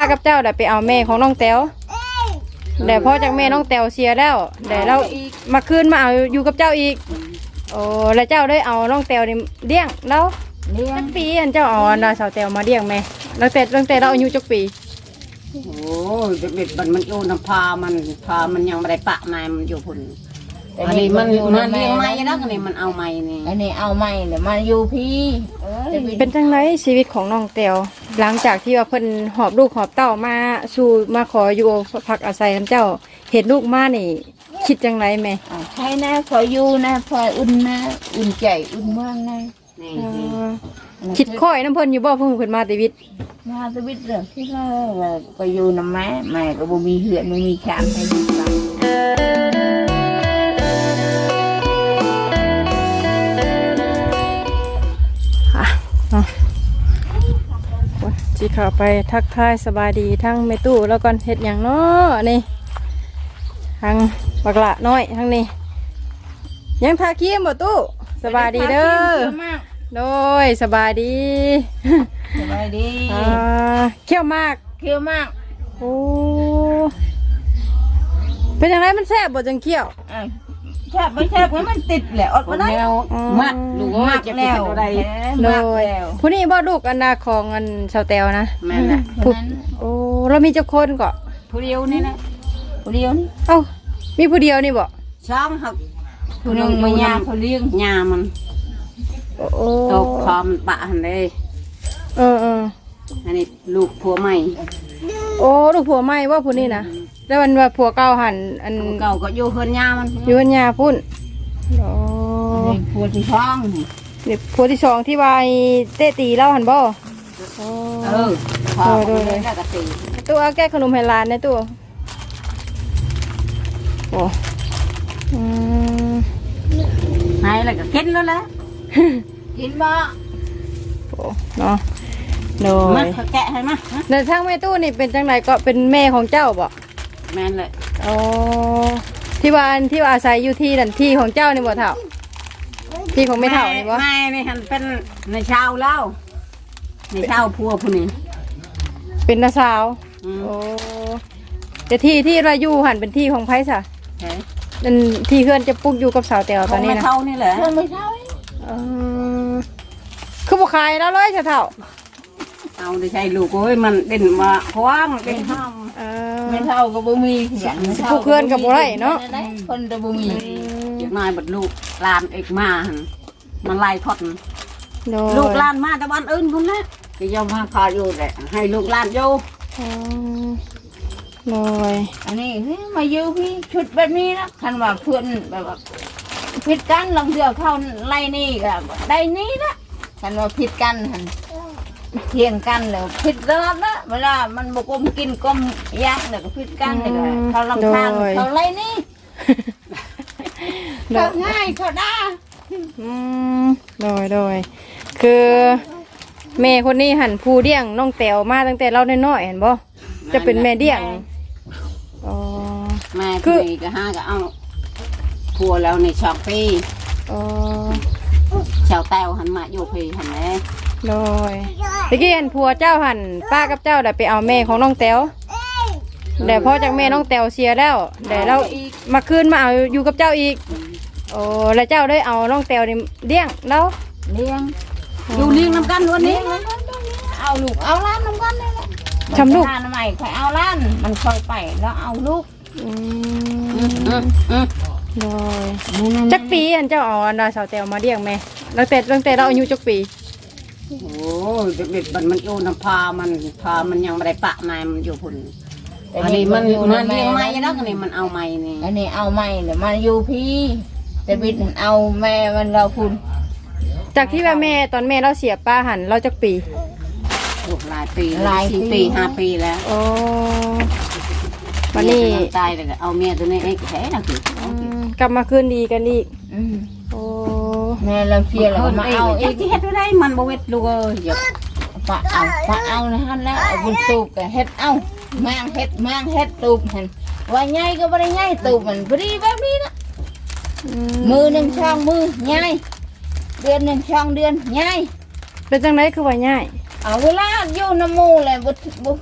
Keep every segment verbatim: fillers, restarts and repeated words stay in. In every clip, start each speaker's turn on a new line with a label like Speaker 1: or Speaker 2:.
Speaker 1: กับเจ้าได้ไปเอาแม่ของน้องแต้วแต่พอจากแม่น้องแต้วเสียแล้วแต่เรามาคืนมาเอาอยู่กับเจ้าอีกโอ้แล้วเจ้าได้เอาน้องแต้วนี่เลี้ยงแล้ว
Speaker 2: เลี้ยง
Speaker 1: ปีอันเจ้าเอาอันสาวแต้วมาเลี้ยงแม่ตั้งแต่ตั้งแต่เราอายุจักปี
Speaker 3: โอ้เด็กๆมันมันอยู่น้ำพามันพามันยังไม่ได้ปะนายมันอยู่พุ่นอันนี้มันมันเลี้ยงไม้แล้วอันนี้มันเอาไม้นี่
Speaker 2: อันนี้เอาไม้เดี๋ยวมาอยู่พี่
Speaker 1: เป็นจังไรชีวิตของน้องแต้วหลังจากที่ว่าเพิ่นหอบลูกหอบเต้ามาสู่มาขออยู่พักอาศัยน้ำเจ้าเห็นลูกมานี่คิดจังไรแม่
Speaker 2: ใช่นะพออยู่นะพออุ่นนะอุ่นใจอุ่นเมืองนะ
Speaker 1: คิดค่อยน้ำเพิ่นอยู่บ่เพิ่งเพิ่นมาชีวิต
Speaker 2: มาชีวิตเรื่องที่เราไปอยู่น้ำแม่แม่ก็บ่มีเหือนไม่มีแขนให้ดูบ้าง
Speaker 1: จีเข้าไปทักทายสบายดีทั้งแม่ตู้แล้วก่อนเฮ็ดอย่างเนาะนี่ทั้งบักละน้อยทั้งนี้ยังทาครีมบ่ตู้สบายดีเด้อโดยสบายดี
Speaker 2: สบายดี
Speaker 1: อ่าเขี้ยวมาก
Speaker 2: เขี้ยวมาก
Speaker 1: โอ้เป็นยังไงมันแซ่บบ่จังเขี้ยว
Speaker 2: แซ่บไม่แซ่บมันติดแหละอดมาได้
Speaker 3: มัดลูกมัดจะเป็นอะไร
Speaker 1: โดยผู้นี้บ่ลูกอันนาของอันชาวแต้วนะ
Speaker 3: แม่นแหละ
Speaker 1: โอ้เรามีเจ้าคนก็
Speaker 3: ผู้เดียวนี่นะ
Speaker 2: ผู้เดียวนี่
Speaker 1: เอ้ามีผู้เดียวนี่บ่
Speaker 3: ช่างหัก
Speaker 2: ผู้นึงมายาเขาเลี้ยง
Speaker 3: ยามัน
Speaker 1: โอ้
Speaker 3: ตกคอมปะหันเลย
Speaker 1: เออเออ
Speaker 3: อันนี้ลูกผัวใหม่
Speaker 1: โอ้ลูกผัวใหม่ว่าผู้นี้นะแล้วมันว่าผัวเก่าหันอัน
Speaker 3: เก่าก็อยู่เฮือนยามัน
Speaker 1: อยู่เฮือนยาพุ่นโอ้
Speaker 2: ผัวที่ท้อง
Speaker 1: นี่ผัวที่สองที่ว่าเตะตีเล่าหันบ่
Speaker 3: เออพอโดยเลย
Speaker 1: ตัวเอาแก้ขนมให้หลานนะตัวโอ้อืม
Speaker 3: ให้แล้วก็กินแล้วแหละ
Speaker 2: กินบ่
Speaker 1: โอ้เนาะโดย
Speaker 3: มาแกะให้มา
Speaker 1: ในทางแม่ตู้นี่เป็นจังไหนก็เป็นแม่ของเจ้าบ่
Speaker 3: แม่นเลย
Speaker 1: อ๋อที่ว่าที่ว่าอาศัยอยู่ที่นั่นที่ของเจ้านี่บ่เท่าที่ของไม่เท่านี่บ่
Speaker 3: ไม่นี่หันเป็นในชาวเล่าในชาวพัวผู้นี้
Speaker 1: เป็นน้าสาวโอ้แต่ที่ที่เราอยู่หันเป็นที่ของไผซะนั่นที่เพื่อนจะปลูกอยู่กับสาวแต้วตอนนี้นะ
Speaker 3: ไม่เท่านี่แหละ
Speaker 2: ไม่เท่า
Speaker 1: คือบุคายแล้วเลยจะเท่า
Speaker 3: เอาได้ใช่ลูกโอ้ยมันเด่นมาเพราะว่ามันเป็นห้าม
Speaker 2: ไม่เท่ากับบุมี
Speaker 1: ผู้เพื่อนกับบุไรเนาะ
Speaker 2: คนจะบุมี
Speaker 3: อย่างน้อยบัดลูกลานเอกมามันไล่ทอดลูกลานมาแต่วันอื่นคนนะก็ยอมมาพาอยู่แหละให้ลูกลานอยู่
Speaker 1: โดย
Speaker 2: อันนี้มาอยู่พี่ชุดแบบนี้นะคันว่าเพื่อนแบบว่าผิดกันลองเสือเข้าไล่นี่กับได้นี่นะคันว่าผิดกันเทียงกันเลยผิดตลอดนะเวลามันบกลมกินกลมยักษ์เนี่ยก็ผิดกันเลยเขาลำทางเขาไล่นี่เขาง่ายเขาได้
Speaker 1: โดยโดยคือแม่คนนี้หันผู้เลี้ยงน้องแต้วมาตั้งแต่เราน้อยๆเห็นบ่จะเป็นแม่เลี้ยง
Speaker 3: อ๋อแม่คือก็ห้าก็เอาพัวแล้วในช็อกปี
Speaker 1: อ๋อ
Speaker 3: ชาวแต้วหันมาอยู่พีหันแม่
Speaker 1: โดยตะกี้เห็นผัวเจ้าหันป้ากับเจ้าได้ไปเอาแม่ของน้องแต้วแต่พอจากแม่น้องแต้วเสียแล้วแต่เรามาคืนมาเอาอยู่กับเจ้าอีกโอ้แล้วเจ้าได้เอาน้องแต้วนี่เลี้ยงแล้ว
Speaker 2: เลี้ยง
Speaker 3: อยู่เลี้ยงน้ำกันวันนี้
Speaker 2: เอาลูกเอาล้านน้ำกันเลย
Speaker 1: ทำลูก
Speaker 2: ทำไมใครเอาล้านมันคอยไปแล้วเอาลูก
Speaker 1: โดยจักปีอันเจ้าเอาอันดาสาวแต้วมาเลี้ยงแม่ตั้งแต่ตั้งแต่เราอายุจักปี
Speaker 3: โอ้เด็กๆมันมันอยู่น้ำพามันพามันยังไม่ได้ปะนายมันอยู่พุ่นอันนี้มันมันเลี้ยงไม้แล้วอันนี้มันเอาไม้นี่
Speaker 2: อันนี้เอาไม้เดี๋ยวมาอยู่พี่แต่บิดเอาแม่มันเราคุณ
Speaker 1: จากที่ว่าแม่ตอนแม่เราเสียป้าหันเราจักปี
Speaker 3: หลายปีหลายปีห้าปีแล้ว
Speaker 1: โอ้วันนี้
Speaker 3: ตายเลยเอาเมียตัวนี้ไอ้แค่น่ะคื
Speaker 1: อกลับมาคืนดีกันอีกโอ้
Speaker 2: แม่เราเสียเรามาเอา
Speaker 3: ไอ้ที่เฮ็ดได้มันบวชลูกเอ้ยอย่า
Speaker 2: ปะเอาปะเอานะฮะแล้วเอาบุญตูบกับเฮ็ดเอาแมงเฮ็ดแมงเฮ็ดตูบเห็นว่าใหญ่ก็ไม่ได้ใหญ่ตูบมันพอดีแบบนี้นะมือหนึ่งช่องมือใหญ่เดือนหนึ่งช่องเดือนใหญ่
Speaker 1: เป็นจังไรคือว่าใหญ่
Speaker 2: เอาเวลาอยู่น้ำมูเลยบุบุ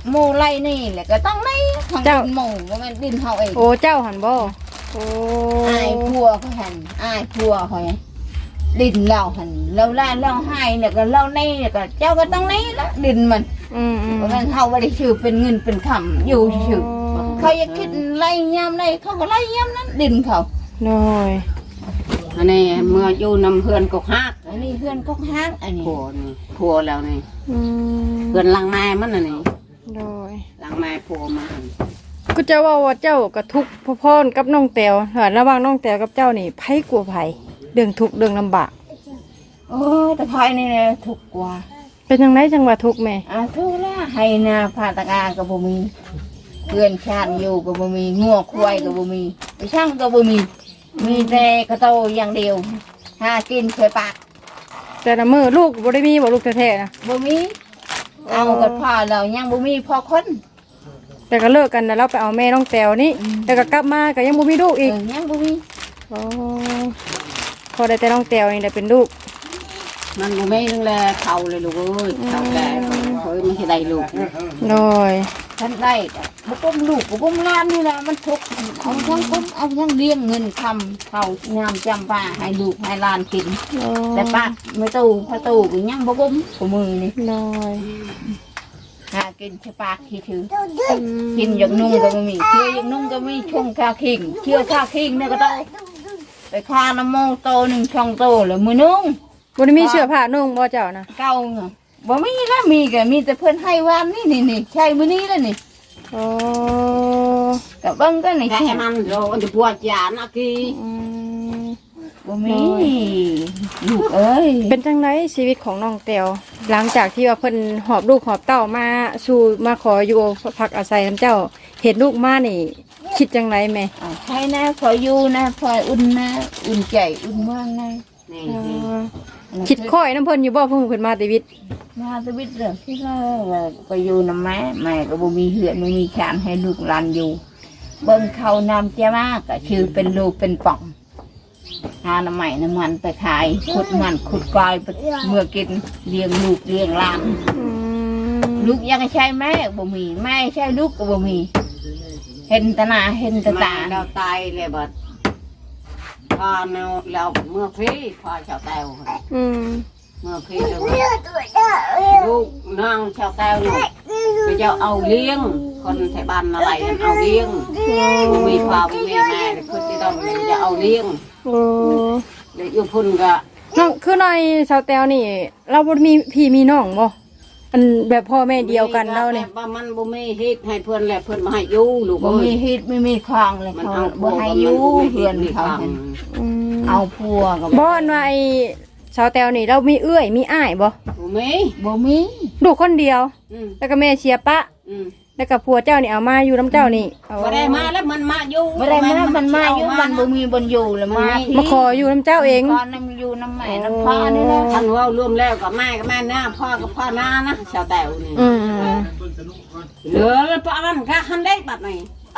Speaker 2: หมู่ไรนี่แหละก็ต้องในทางดินหมู่บ่แม่นดินเฮาเอง
Speaker 1: โอ้เจ้าหันบ่โอ้
Speaker 2: อายพัวเขาหันอายพัวเขาดินเราหันเราล่าเราให้เนี่ยก็เราในเนี่ยก็เจ้าก็ต้องในละดินมัน
Speaker 1: อืมอืม
Speaker 2: เพราะงั้นเฮาบ่ได้ชื่อเป็นเงินเป็นคำอยู่ชื่อเขาอยากคิดไล่ยามใดเขาก็ไล่ยามนั้นดินเขา
Speaker 1: น้อย
Speaker 3: อันนี้เมื่ออยู่นำเพื่อนกกฮัก
Speaker 2: อันนี้เพื่อนก็ห้างอันนี้
Speaker 3: ผัวนี่ผัวแล้วนี่
Speaker 1: อืม
Speaker 3: เพื่อนหลังไม้มันน่ะนี่
Speaker 1: น้อย
Speaker 3: หลังไม้ผัวมัน
Speaker 1: ก็จะว่าว่าเจ้ากับทุกข์พ่อๆกับน้องแตวหาระหว่างน้องแตวกับเจ้านี่ไผกลัวไผเรื่องทุกข์เรื่องลำบาก
Speaker 2: โอ้ยแต่ภายนี่แหละถูกกว่า
Speaker 1: เป็นจังไดจังว่าทุกข์แม่
Speaker 2: อ่ะทุกละให้นาพาตะกาก็บ่มีเพื่อนชาติอยู่ก็บ่มีงัวควายก็บ่มีไปช่างก็บ่มี มีแต่กระโตอย่างเดียวหากินเคยปาก
Speaker 1: แต่ละมื้อลูกบ่ได้มีบ่ลูกแท้ๆนะ
Speaker 2: บ่มีเอากับพ่อเรายังบ่มีพอคน
Speaker 1: แต่ก็เลิกกันแล้วเราไปเอาแม่น้องแตวนี่แต่ก็กลับมาก็ยังบ่มีลูก
Speaker 2: เอ
Speaker 1: อีก
Speaker 2: อยังบ่มี
Speaker 1: อ๋อพอได้แต่น้องแตวนี่ได้เป็นลูก
Speaker 3: มันบ่แม่นึงแลเฒ่าเลยลูกเอ้ยเฒ่าแก่เฮ้ยมันสิได้ลูก
Speaker 1: น้อย
Speaker 2: ท่านได้ก็บ่ก้มลูกบ่ก้มหลานนี่แหละมันทุกข์เอาทั้งคนเอาทั้งเลี้ยงเงินคำเข้ายามจำปาให้ลูกให้หลานกิน
Speaker 1: น้อย
Speaker 2: แต่ปากไม่ตู้พระตู้ก็ยังบ่ก้มกับมือนี่
Speaker 1: น้อย
Speaker 2: หากินแค่ปากที่ถือกินอย่างนุ่งก็บ่มีเชื่ออย่างนุ่งก็มีช่องคาคิงเชื่อคาคิงเนี่ยก็ต้องไปคาน้ำโมโตหนึ่งช่องโตแล้วมือนุ่ง
Speaker 1: บ่ได้มีเสื้อผ้านุ่งบ่เจ้านะ
Speaker 2: เก่าเนาะบ่มีละมีก็มีแต่เพิ่นให้วานนี่นี่นี่ใช่มื้อนี้แล้วนี่
Speaker 1: อ๋อ
Speaker 2: ก็เบิ่งก็นี่
Speaker 3: แค่มันโดนจะปวดจานอะกี
Speaker 1: อืม
Speaker 2: บ่มีลูกเอ้ย
Speaker 1: เป็นจังไดชีวิตของน้องแตวหลังจากที่ว่าเพิ่นหอบลูกหอบเต้ามาสู่มาขออยู่พักอาศัยนํเจ้าเห็นลูกมานี่ คิดจังไดแม่
Speaker 2: อ่าใช่นะพออยู่นะพออุ่นนะอุ่นใจอุ่นเมืองนะ
Speaker 3: นี่
Speaker 1: อ๋
Speaker 3: นี่
Speaker 1: อคิดค่อยน้ำเพิ่นอยู่บ่เพิ่นเพิ่นมาแต่วิทย์
Speaker 2: มาชีวิตเด้อที่ว่าก็อยู่นำแม่แม่ก็บ่มีเหือนบ่มีชานให้ลูกหลานอยู่ เบิ่งเขานำเจ้ามากก็ชื่อเป็นลูกเป็นป่องหาน้ำใหม่น้ำมันไปขายขุดมันขุดกอยไปเมื่อกินเลี้ยงลูกเลี้ยงหลาน
Speaker 1: อืม
Speaker 2: ลูกยังใช่แม่บ่มีแม่ใช่ลูกก็บ่มี เห็นแตาหนาเห็นแตา
Speaker 3: มา
Speaker 2: ตา
Speaker 3: เราตายเลยบัดพอเนาเราเมื่อพี่พอชาวแต้ว
Speaker 1: อืม
Speaker 3: เมื่อพี่เราลูกน้องชาวแต้วเนี่ยไปเจ้าเอาเลี้ยงคนไทยบ้านอะไรเอาเลี้ยงบ่มีพ่อบ่มีแม่เลยคือที่ต้องจะเอาเลี้ยง
Speaker 1: โอ้
Speaker 3: เลยอยู่พุ่นก็
Speaker 1: น้องคือในชาวแตวนี่ เราบ่มีพี่มีน้องบ่อันแบบพ่อแม่เดียวกันเราเนี่ย
Speaker 3: ว่ามันบ่มีเฮ็ดให้เพิ่นแหละเพิ่นมาให้อยู่ลูก
Speaker 2: บ่
Speaker 3: เอ้
Speaker 2: มี
Speaker 3: ย
Speaker 2: ฮิตไม่มีคลองเลย
Speaker 3: มัน
Speaker 2: เขา
Speaker 3: เอา
Speaker 2: บ่ให้อยู่เพื่อนเขาเห็น
Speaker 1: อืม
Speaker 2: เอาพัวก็
Speaker 1: บ่อันว่าไอ้ชาวแตวนี่เรามีเอื้อยมีอ้ายบ่
Speaker 3: บ่มี
Speaker 2: บ่มี
Speaker 1: ลูกคนเดียว
Speaker 3: อืม
Speaker 1: แล้วก็แม่เชียร์ปะ
Speaker 3: อืม
Speaker 1: แล้วก็ผัวเจ้านี่เอามาอยู่น้ำเจ้านี่เอา
Speaker 3: บ่ได้มาแล้วมันมาอยู่
Speaker 2: บ่ได้มามันมาอยู่มันบ่มีบนอยู่แล้วมาพี่
Speaker 1: มาขออยู่น้ำเจ้าเอง
Speaker 2: ก่อนนำอยู่น้ำแม่น้ำพ่อนี่แหละ
Speaker 3: ท่านเว้ารวมแล้วก็แม่ก็แม่นะพ่อก็พ่อนานะชาวแต้วนี่
Speaker 1: อืม
Speaker 3: เหลือแล้วปะมันก็หันได้บัดนี้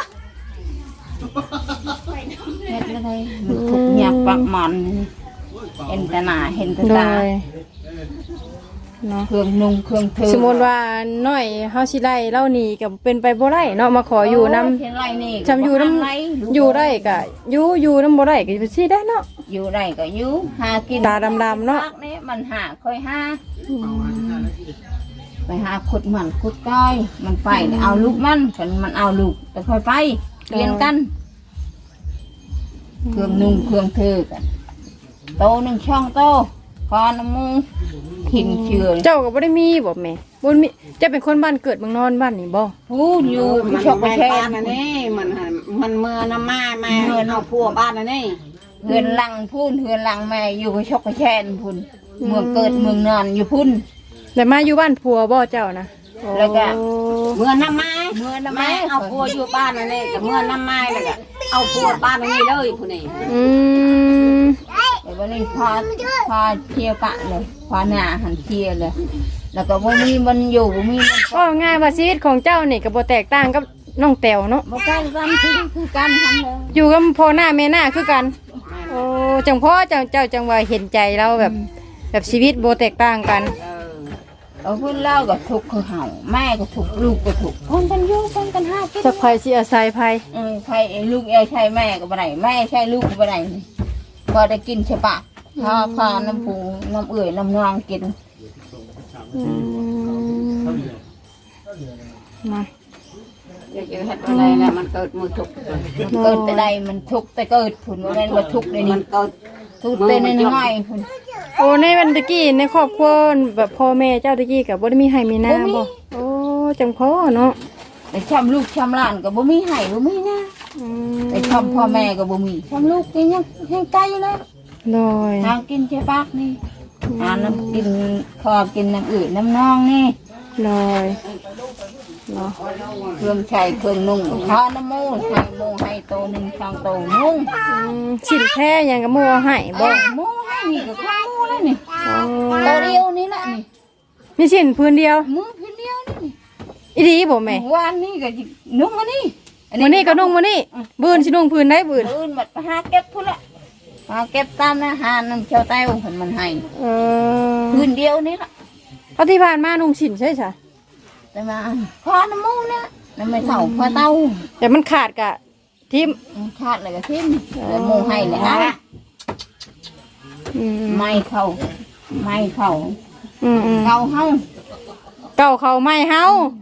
Speaker 2: เฮ็ดอะไรมันทุกข์ยากปากมันเห็นแต่หน้าเห็นแต่
Speaker 1: โด
Speaker 2: ตาย
Speaker 1: เนาะ
Speaker 2: เครื่องนุ่งเครื่องถือ
Speaker 1: สมมติว่าน้อยเฮาสิไล่เล่านี่ก็เป็นไปบ่ได้เนาะมาขออยู่นำ
Speaker 2: เห็นไรนี่
Speaker 1: จำอยู่น้
Speaker 2: ไร
Speaker 1: ำอยู่ได้ก็อยู่อยู่น้ำบ่ได้ก็สิได้เนาะ
Speaker 2: อยู่ได้ก็อยู่หากิน
Speaker 1: ตาดำๆเนาะ
Speaker 2: พักนี่มันหาค่อยหาไปหาขุดมันขุดก้อยมันไปเนี่ยเอาลูกมันฉันมันเอาลูกแต่ค่อยไปเปลี่ยนกัน เครื่องนุ่งเครื่องถือกันโตหนึ่งช่องโตคอน้ำมูกทิ้งเชื่อ
Speaker 1: เจ้าก็บ่ได้มีบ่แม่บ่มีเจะเป็นคนบ้านเกิดเมืองนอนบ้านนี่บ่
Speaker 2: พูดอยู่
Speaker 3: มัน
Speaker 2: ชกไป
Speaker 3: แม่
Speaker 2: แช่
Speaker 3: บ้านอันนี้มันหันมันเมื่อน้ำมาแม่เอาพัวบ้านอันนี้
Speaker 2: เฮือนหลังพูนเฮือนหลังแม่อยู่ไปชกไปแช่นพุ่นเมืองเกิดเมืองนอนอยู่พุ่น
Speaker 1: แต่มาอยู่บ้านผัวบ่เจ้านะ
Speaker 2: แล้วก็
Speaker 1: โอ้
Speaker 3: เมื่อน้ำมา
Speaker 2: เมื่อน้ำ
Speaker 3: แม่
Speaker 2: แม่
Speaker 3: เอาพัวอยู่บ้านอันนี้กับเมื่อน้ำมาแล้วก็เอาพัวบ้านอันนี้เลยผู้นี้
Speaker 1: อืม
Speaker 2: เดี๋ยววันนี้พาพาเที่ยวกะเลยพาหน้าหันเที่ยวเลย แล้วก็บ่มีมันอยู่บ่มีมัน
Speaker 1: ก็ง่ายว่าชีวิตของเจ้านี่ก็บ่แตกต่างกับน้องแตวเนาะ
Speaker 2: บ่กันกันคือคือกันทำเลย
Speaker 1: อยู่กับพ่อหน้าแม่หน้าคือกัน โอ้จังพ่อเจ้าเจ้าจังว่าเห็นใจเราแบบ แบบชีวิตบ่แตกต่างกัน
Speaker 3: เออ
Speaker 2: เอาเพื่อนเล่าก็ทุกข์คือเห่าแม่ก็ทุกข์ลูกก็ทุกข์คนกันอยู่คนกันห้ากิน
Speaker 1: จักไผสิอาศัยไผ
Speaker 2: เออใครลูกเอใช่แม่ก็บ่ได้แม่ใช่ลูกก็บ่ได้พอได้กินใช่ปะพาพาน้ำปูน้ำเอื่อยน้ำนองกิน
Speaker 1: อืมมา
Speaker 3: อยากจะเฮ็ดอะไรแล้วมันเกิดมือทุกข์
Speaker 2: มันเกิดแต่ใดมันทุกข์แต่เกิดผุนว่าแม่นว่าทุกข์เลย
Speaker 3: มั
Speaker 2: นี่
Speaker 3: นเกิด
Speaker 2: ทุกข์แต่น้อยๆผุน
Speaker 1: โอ้ในวันตะกี้ในครอบครัวแบบพ่อแม่เจ้าตะกี้ก็บ่ได้มีให้มีหน้าบ่โอ้จังพ่อเนาะ
Speaker 2: แต่ช้ำลูกช้ำหลานก็บ่มีให้บ่มีนะ
Speaker 1: อืม
Speaker 2: แต่ช้ำพ่อแม่ก็บ่มีช้ำลูกกินยังให้ไกลเลย
Speaker 1: โดย
Speaker 2: ทางกินใช่ปากนี่หาน้ำกินคอกินน้ำอื่นน้ำนองนี่
Speaker 1: โดยเนาะ
Speaker 2: เครื่องใช้เครื่องนุ่งข้าน้ำมูกให้หมูให้โตหนึ่งช่างโตนุ่ง
Speaker 1: อืมสินแท้หยังก็มัวให้บ่
Speaker 2: หมูให้นี่ก็ข้าวหมูแล้วนี่
Speaker 1: อ๋อ
Speaker 2: โตเดียวนี่แหละนี่
Speaker 1: มีสินพื้นเดียว
Speaker 2: มือเพียงเดียวนี่
Speaker 1: อีดีบ่แม่
Speaker 2: วานนี่ก็นุ่งอันนี้
Speaker 1: มื้อนี้ก็นุ่งมื้อนี้บื้นสินุ่งพื้นได้บื้น
Speaker 2: อื่นบัดหาเก็บพุ่นละหาเก็บตามนะหาน้ำเจ้าใต้ของผนมันให้
Speaker 1: เออ
Speaker 2: พื้นเดียวนี่ละ
Speaker 1: เอาที่ผ่านมานุ่งสินใช่จ้ะ
Speaker 2: แต่มาพอน้ำมูกนะน้ำไม่เท่าพอเต้า
Speaker 1: แต่มันขาดกะทิม
Speaker 2: ขาดเลยก็ทิ้มแล้วหมูให้เลยนะ
Speaker 1: อืม
Speaker 2: ไม่เข้าไม่เข้า
Speaker 1: อืมอืม
Speaker 2: เกาเฮา
Speaker 1: เก่าเขาไม่เฮา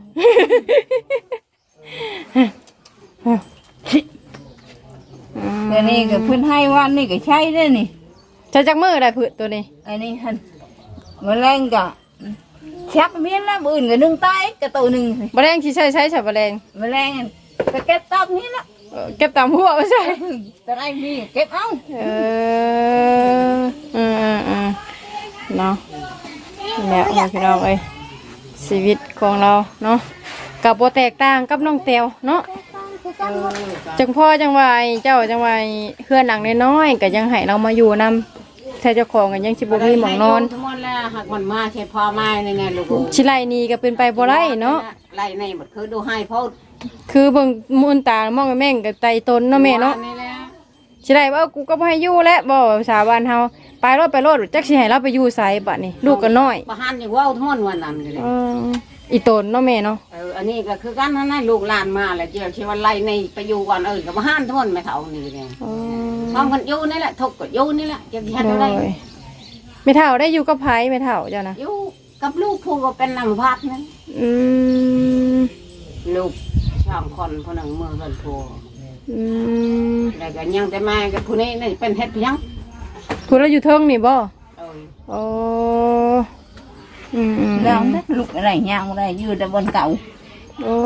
Speaker 2: เดี๋ยวนี้ก็เพิ่นให้วันนี่ก็ใช้ได้นี่
Speaker 1: ใช้จักมือได้ผืดตัวนี้
Speaker 2: อันนี้หันแมลงก็ชักเมียนแล้วมื้ออื่นก็นึ่งตายก็ตัวหนึง
Speaker 1: บะแรงที่ใช้ใช้ฉับะแรง
Speaker 2: แมลงอันก็เก็บตับนี่ละ
Speaker 1: เออเก็บตามหัวไม่ใช่
Speaker 2: แต่ได้มีเก็บเอา
Speaker 1: เอออืมอืมอืมเนาะแล้วเอาพี่น้องเอ้ยชีวิตของเราเนาะกับโบแตกต่างกับน้องเตียวเนาะจังพ่อจังวายเจ้าจังวายเพื่อนหลังน้อยๆก็ยังให้เรามาอยู่นำแต่เจ้าของก็ยังสิบ่มีหมองนอน
Speaker 3: ทั้งหมดแล้วหากมันมาใช่พ่อแม่นี่ไงลูก
Speaker 1: ชิไลนี่ก็เป็นไปบ่ได้เนาะ
Speaker 3: ไล่ในบัดคือดูให้พ่อ
Speaker 1: คือเบิ่งมูนตามองแม่งกับไตตนเนาะแม่เนาะ
Speaker 3: นี่แหละ
Speaker 1: ชิไลว่ากูก็บ่ให้อยู่แล้วบ่ภาษาบ้านเฮาไปรถไปรถจักสิให้เราไปอยู่ไสบัดนี้ลูกก็น้อย
Speaker 3: บ่หันอย่างว่าทั้งหมดวันนั้นเลย
Speaker 1: เอออีตนเนาะแม่เนาะ
Speaker 3: เอออันนี้ก็คือกันนั่นน่ะลูกหลานมาแล้วเจ้าชื่อว่าไล่ในไปอยู่ก่อนเออก็บ่หันทั้งหมดไม่เท่านี่เลย
Speaker 1: อ๋อ
Speaker 3: พร้อมกันอยู่นี่แหละทุกข์ก็อยู่นี่แหละจะเฮ็ด
Speaker 1: โด
Speaker 3: ได้
Speaker 1: ยไม่เฒ่าได้อยู่กับไผไม่เฒ่าเจ้านะ
Speaker 3: อยู่กับลูกผู้ก็เป็นนำพัดนั่น
Speaker 1: อืม
Speaker 3: ลูกช่างคนผู้หนึ่งมือกันผู้
Speaker 1: อืม
Speaker 3: แล้วก็ยังแต่แม่กับผู้นี้นี่เป็นเฮ็ดเพียง
Speaker 1: คุณเราอยู่เทิงนี่บ่
Speaker 3: เออ
Speaker 1: โอ้อืมอืม
Speaker 2: แล้วนักลูกอะไรย่างอะไรอยู่แต่บนเก่า
Speaker 1: โอ้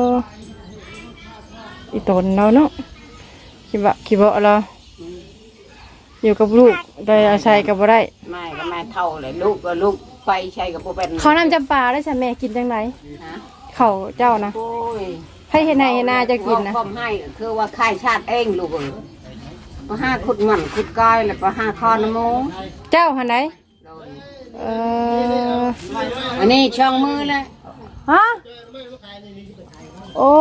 Speaker 1: อีตนเราเนาะคิดว่าคิดว่าเราอยู่กับลูกได้อาศัยกับบ่ได้
Speaker 3: แม่ก็แม่เท่าเลยลูกก็ลูกไปใช้กับผู้เป็น
Speaker 1: เขาวนำจำปาได้ใช่แม่กินจังไร
Speaker 3: ฮะ
Speaker 1: เขาเจ้านะ
Speaker 3: โอ้ย
Speaker 1: ให้เห็นนาเห็นนาจะกินนะ
Speaker 3: ว่าความให้คือว่าค่ายชาติเองลูกเอ้ยมาห้าขุดหมันขุดก้อยแล้วก็ห้าคอน้ำหมู
Speaker 1: เจ้าหันไหนเออ
Speaker 3: อันนี้ช่องมือเลย
Speaker 1: ฮะโอ้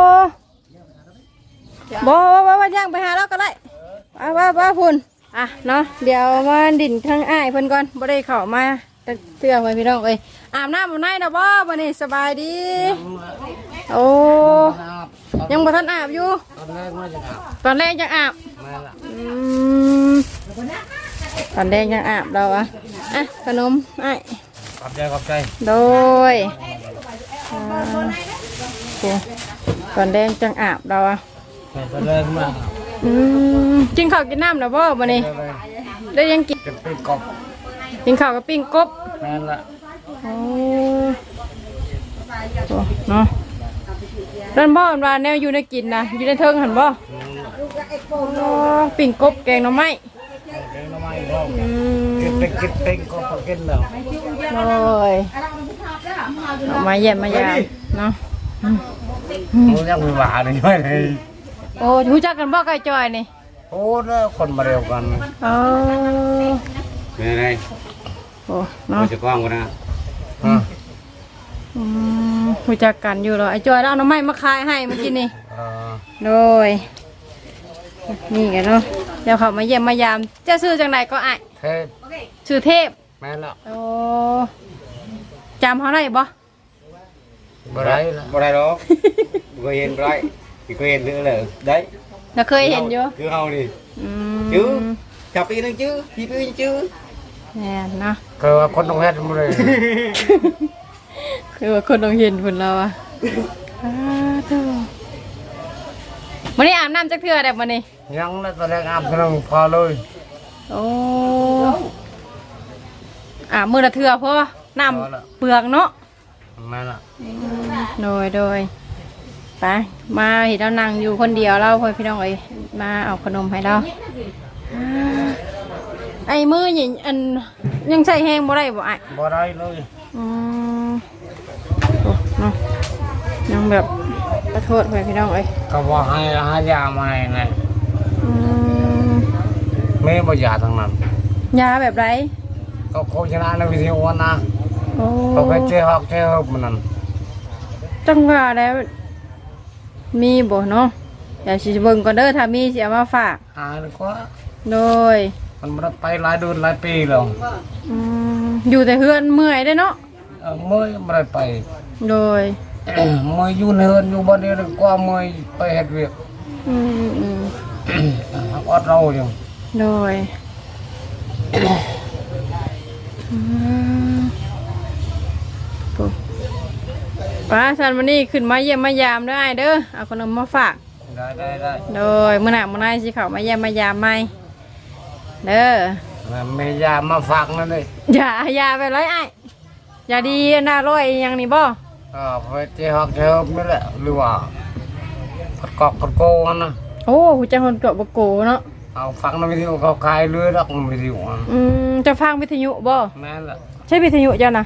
Speaker 1: บ่บ่บ่บ่ย่างไปหาเราก็ได้ว่าว่าว่าพุ่นอ่ะเนาะเดี๋ยวมาดินทางอ้ายเพิ่นก่อนบ่ได้เข้ามาแต่เสื้อไว้พี่น้องเอ้ยอาบน้ำอาบในนะบ่วันนี้สบายดีโอ้ยังบ่ทันอาบอยู่ตอนแรกยังอาบอืมตอนแรกยังอาบเราอะอ่ะขนมไอ้าย
Speaker 4: ขอบใจขอบใจ
Speaker 1: โดยอ่าโอเคตอนแรกจังอาบเราอะ
Speaker 4: ไปเลยมา
Speaker 1: อืมกินข้าวกินน้ำแล้วบ่วันนี้ได้ยังกิน
Speaker 4: จะเป็นกบ
Speaker 1: กินข้าวกับปิ้งกบ
Speaker 4: นั่นละ
Speaker 1: โอ้โหเนาะนั่นบ่อนว่าแนวอยู่ในกินนะอยู่ในเทิงหันบ่โอ้ปิ้งกบแกงหน่อไม้
Speaker 4: เลี้ยงน้ำมันก็
Speaker 1: อืม
Speaker 4: กินเป็นกินเป็นก็พอกินแล้ว
Speaker 1: โอ้ยเอามาเยี่ยมมายามเนาะ
Speaker 4: มันยังมีหวานอยู่เลย
Speaker 1: โอ้รู้จักกันบ่ไก่จอยนี่
Speaker 4: โอ้แล้วคนมาเร็วกัน
Speaker 1: โอ้
Speaker 3: เป็นไง
Speaker 1: โอ้เนาะ
Speaker 3: จะกล้องกันนะ
Speaker 4: อืม
Speaker 1: อืมรู้จักกันอยู่เหรอไอ้จอยแล้วเอาหน่อไม้มาขายให้เมื่อกี้นี่
Speaker 4: อ่า
Speaker 1: โดยนี่กันเนาะเดี๋ยวเขามาเยี่ยมมายามจะซื้อจังไหนก็อ่ะ
Speaker 4: เทพ
Speaker 1: ซื้อเทพ
Speaker 4: แม่นละ
Speaker 1: โอ้จำเขาได้บ่
Speaker 4: บ่ได้บ่ได้หรอกบ่เห็นบ่ได้สิก็เห็นเลยได้
Speaker 1: เราเคยเห็นอยู่
Speaker 4: คือเฮานี่
Speaker 1: อื
Speaker 4: จื้อ
Speaker 1: ม
Speaker 4: จับปีนึงจื้อพี่ปีนึงจื้อ
Speaker 1: แน่นเนาะ
Speaker 4: คือว่าคนต้องเฮ็ดบ่ได้
Speaker 1: คือว่าคนต้องเห็นผลเราอะอ้าตัววันนี้อาบน้ำจักเทื่อได้บ่นี่
Speaker 4: ยังแล้วตอนแรกอาบน้ำพอเลย
Speaker 1: โอ้อาบมือละเทื่อเพราะน้ำเปลือกเนาะ
Speaker 4: แม่นล่ะ
Speaker 1: โดยโดยไปมาเห็นเรานั่งอยู่คนเดียวเราพ่อพี่น้องเอ้ยมาเอาขนมให้เราอ่าไอ้มือนี่อันยังใส่แห้งบ่ได้บ่ไอ้
Speaker 4: บ่ได้เลย
Speaker 1: อืมโอ้เนาะยังแบบขอโทษพ่อพี่น้องเอ้ย
Speaker 4: ก็ว่าให้หายามาให้นะ
Speaker 1: อืม
Speaker 4: แม่บ่ยาทั้งนั้น
Speaker 1: ยาแบบไร
Speaker 4: ก็โฆษณาในวิทยุนะ
Speaker 1: โอ้
Speaker 4: เขาไปเจ๊ฮอกเจ๊ฮอกมันนั่น
Speaker 1: จังว่าแล้วมีบ่เนาะเดี๋ยวสิเบิ่งก่อนเด้อถ้ามีสิเอามาฝาก
Speaker 4: หาดีกว่า
Speaker 1: โดย
Speaker 4: มันบ่ได้ไปหลายเดือนหลายปีแล้ว
Speaker 1: อืมอยู่แต่เฮือนเมื่อยได้อเนาะ
Speaker 4: เออเมื่อยบ่ได้ไป
Speaker 1: โดย
Speaker 4: เมื่อยอยู่ในเฮือนอยู่บ่ได้ดีกว่าเมื่อยไปเฮ็ดเวียก
Speaker 1: อืมอืม
Speaker 4: อดเราอยู่
Speaker 1: โดยอืมปุ๊บป้าสันวันนี้ขึ้นมาเยี่ยมมายามได้เด้อเอาขนมมาฝาก
Speaker 4: ได้ได้ได้
Speaker 1: โดยมื้อหน้ามื้อหน้าสิเข้ามาเยี่ยมมายามใหม่เด้อ
Speaker 4: แม่ยามาฝากนั่นเลย
Speaker 1: อย่าอย่าไปเลยไอ้อย่าดีน่าร้อยอย่างนี้บ่
Speaker 4: เออไปเจ๊ฮอกเจ๊ฮอกนี่แหละหรือว่าผัดกอกผัดโกนนะ
Speaker 1: โอ้หูจักคนเกาะบโกเนาะ
Speaker 4: เอาฟังในวิทยุเขาขายเรือดอกวิทยุอะ
Speaker 1: อืมจะฟังวิทยุบ่
Speaker 4: แม่นละ
Speaker 1: ใช่วิทยุเจ้านะ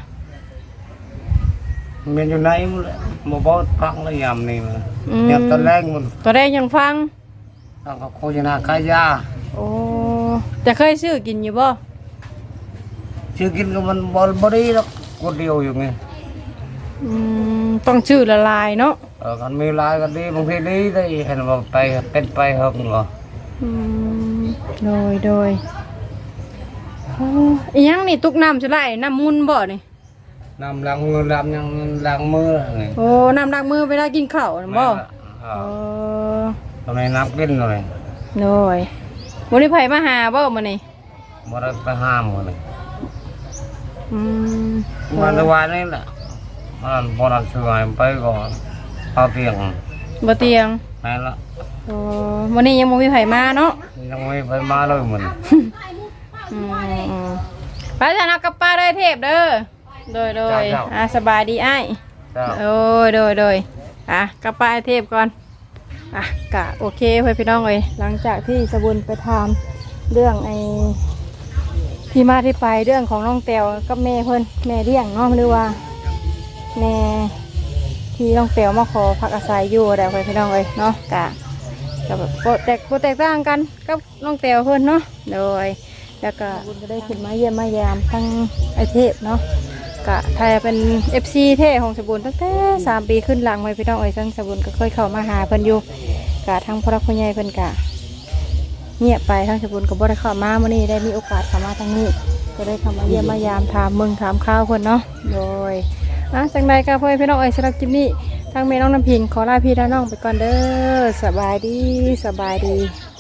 Speaker 4: มันอยู่ไหนมันแหละบ่บ่ฟังแล้วยามนี่มัน
Speaker 1: อืม
Speaker 4: ยามตอนแรกมัน
Speaker 1: ตัวแรกยังฟัง
Speaker 4: เอาเขาโฆษณาขายยา
Speaker 1: โอ้แต่เคยซื้อกินอยู่บ่
Speaker 4: ชื่อกินก็มันบ่บ่ดีหรอกคนเดียวอยู่ไง
Speaker 1: อืมต้องชื่อละลายเนาะ
Speaker 4: เออกันมีหลายก็ดีบางทีดีได้เห็นว่าไปเป็นไปเฮงเหรอ
Speaker 1: อืมโดยโดยโอ้อีหยังนี่ตุกน้ำจะไหลน้ำมุนบ่นี่
Speaker 4: น้ำล้างมือล้างยังล้างมืออะไร
Speaker 1: โอ้น้ำล้างมือเวลากินข้าวน่ะบ่
Speaker 4: เอ
Speaker 1: โอ้
Speaker 4: อทำไมนับกินเลย
Speaker 1: โดยวันนี้ไผมาหาบ่มื้อนี้
Speaker 4: บ่ได้ไปห้ามเลย
Speaker 1: อืม
Speaker 4: มันตะวันนี่แหละมันพอเราช่วยไปก่อนเอาเตียง
Speaker 1: บ่เตียง
Speaker 4: แม่นละ
Speaker 1: โอ้วันนี้ยังบ่มีไผมาเนาะ
Speaker 4: ยังไม่ไปมาเลยมัน
Speaker 1: อืมอืมไปจ้ะเนาะกับป้าได้เทพเด้อโดยโดยอ่ะสบายดีอ้าย
Speaker 4: เจ้า
Speaker 1: โอ้ยโดยโดยอ่ะกับป้าไอ้เทพก่อนอ่ะกะโอเคเพื่อนพี่น้องเลยหลังจากที่สบุญไปทำเรื่องไอ้ที่มาที่ไปเรื่องของน้องแตวกับแม่เพิ่นแม่เลี้ยงเนาะหรือว่าแม่ที่น้องแตวมาขอพักอาศัยอยู่แต่เพื่อนพี่น้องเลยเนาะกะกับแบบโปรแตกโปรแตกต่างกันกับน้องแตวเพิ่นเนาะโดยแล้วก็บุญก็ได้ขึ้นมาเยี่ยมมายามทั้งไอเทพเนาะกะไทยเป็น เอฟ ซี เท่ของสบุญตั้งแต่สามปีขึ้นหลังไว้พี่น้องเอ้ยทั้งสบุญก็เคยเข้ามาหาเพิ่นอยู่กะทั้งพ่อรักพ่อใหญ่เพิ่นกะเงียบไปทั้งสบุญก็บ่ได้เข้ามามื้อนี้ได้มีโอกาสเข้ามาทางนี้ก็ได้เข้ามาเยี่ยมมายามถามมึงถามข้าวเพิ่นเนาะโดยอ่ะจังใดก็พ่อพี่น้องเอ้ยสำหรับคลิปนี้ทางแม่น้องน้ำพิงขอลาพี่ลาน้องไปก่อนเด้อสบายดีสบายดี